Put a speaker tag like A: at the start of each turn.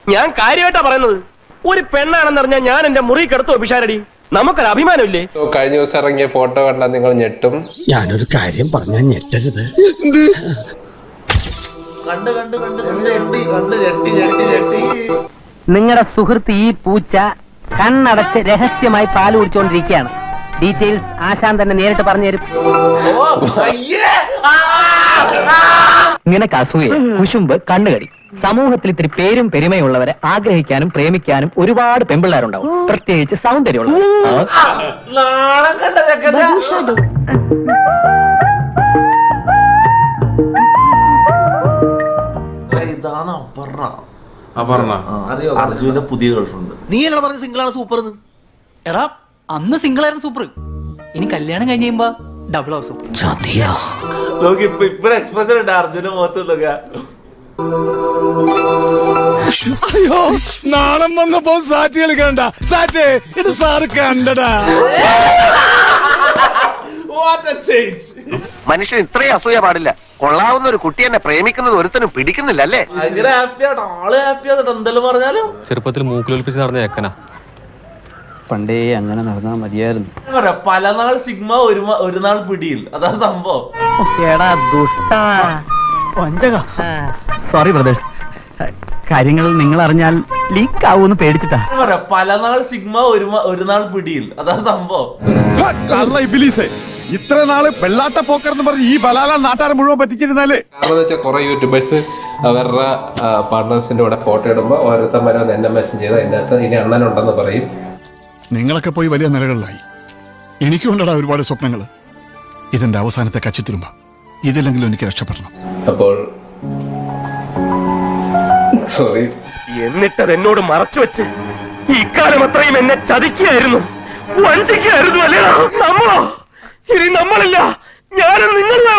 A: ഞാൻ കാര്യമായിട്ടാ പറയുന്നത്. ഒരു പെണ്ണാണെന്നറിഞ്ഞാൽ ഞാൻ എന്റെ മുറി കിടത്തുവോ പിഷാരടി? നമുക്കൊരു അഭിമാനമില്ലേ?
B: കഴിഞ്ഞ ദിവസം ഇറങ്ങിയ ഫോട്ടോ കണ്ടാൽ നിങ്ങൾ ഞെട്ടും.
C: ഞാനൊരു കാര്യം പറഞ്ഞാൽ ഞെട്ടരുത്.
D: നിങ്ങളുടെ സുഹൃത്ത് ഈ പൂച്ച കണ്ണടച്ച് രഹസ്യമായി പാല് കുടിച്ചുകൊണ്ടിരിക്കുകയാണ്. ഡീറ്റെയിൽസ് ആശാൻ തന്നെ നേരിട്ട് പറഞ്ഞു തരും. ഇങ്ങനെ അസൂയ, കുശുമ്പ്, കണ്ണുകടി. സമൂഹത്തിൽ ഇത്തിരി പേരും പെരുമയുള്ളവരെ ആഗ്രഹിക്കാനും പ്രേമിക്കാനും ഒരുപാട് പെമ്പിള്ളേരുണ്ടാവും, പ്രത്യേകിച്ച് സൗന്ദര്യമുള്ളവർ.
E: ഇതാണ് അർജുന്റെ പുതിയ ഗേൾഫ്രണ്ട്.
F: നീ എന്നോട് പറഞ്ഞ സിംഗിൾ ആണ് സൂപ്പർ. എടാ അന്ന് സിംഗിൾ ആയിരുന്നു സൂപ്പർ, ഇനി കല്യാണം കഴിഞ്ഞ് കഴിയുമ്പോ ഡബിൾ ആവും സൂപ്പർ.
E: നോക്കി ഇപ്പൊ എക്സ്പ്രഷൻ ഉണ്ട് അർജുന്റെ മുഖത്ത് നോക്കുക.
C: അയ്യോ, നാണം വന്നപ്പോ സാറ്റ് കളിക്കണ്ട. സാറ്റ് ഇത് സാറ് കണ്ടടാ.
G: മനുഷ്യൻ ഇത്രയും അസൂയ പാടില്ല. കൊള്ളാവുന്ന ഒരു കുട്ടി എന്നെ പ്രേമിക്കുന്നത് ഒരുത്തനും പിടിക്കുന്നില്ല അല്ലേ?
E: ഭയങ്കര ഹാപ്പിയാട്ടോ, ആള് ഹാപ്പിയാട്ടോ. എന്തെല്ലാം പറഞ്ഞാലും
B: ചെറുപ്പത്തിൽ മൂക്കിലൊലിപ്പിച്ച് നടന്ന ഏക്കനാ.
H: പണ്ടേ അങ്ങനെ നടന്നാ മതിയായിരുന്നു.
E: പല നാൾ സിഗ്മ ഒരു നാൾ പിടിയിൽ. അതാ സംഭവം.
D: സോറി ബ്രദേഴ്സ്, കാര്യങ്ങൾ നിങ്ങൾ അറിഞ്ഞാൽ ലീക്ക് ആവൂന്ന് പേടിച്ചിട്ടാ.
E: പല നാൾ സിഗ്മ ഒരു നാൾ പിടിയിൽ. അതാ സംഭവം.
C: ഇത്ര നാള് വെള്ളാട്ട പോക്കർന്ന് പറഞ്ഞ് ഈ ബലാല നാട്ടാരെ മുഴുവൻ പറ്റിച്ചിരുന്നാലേ.
B: കാരണം വെച്ചാൽ കുറെ യൂട്യൂബേഴ്സ് അവരുടെ പാർട്ട്നേഴ്സിന്റെ കൂടെ ഫോട്ടോ ഇടുമ്പോൾ ഓരോരുത്തന്മാരെ വന്ന് എന്നെ മെൻഷൻ ചെയ്ത് അതിൻ്റെ അകത്ത് ഇനി അണ്ണനുണ്ടെന്ന് പറയും.
C: നിങ്ങളൊക്കെ പോയി വലിയ നിലകളിലായി. എനിക്കുണ്ടടാ ഒരുപാട് സ്വപ്നങ്ങൾ. ഇതെന്റെ അവസാനത്തെ കച്ചിത്തിരുമ്പ. ഇതില്ലെങ്കിലും എനിക്ക് രക്ഷപ്പെടണം.
B: അപ്പോൾ സോറി.
A: എന്നിട്ടത് എന്നോട് മറച്ചു വെച്ച് ഇക്കാലം അത്രയും എന്നെ ചതിക്കുകയായിരുന്നു, വഞ്ചിക്കുകയായിരുന്നു അല്ലേ? നമ്മളോ? ഇനി നമ്മളില്ല, ഞാനും നിങ്ങൾ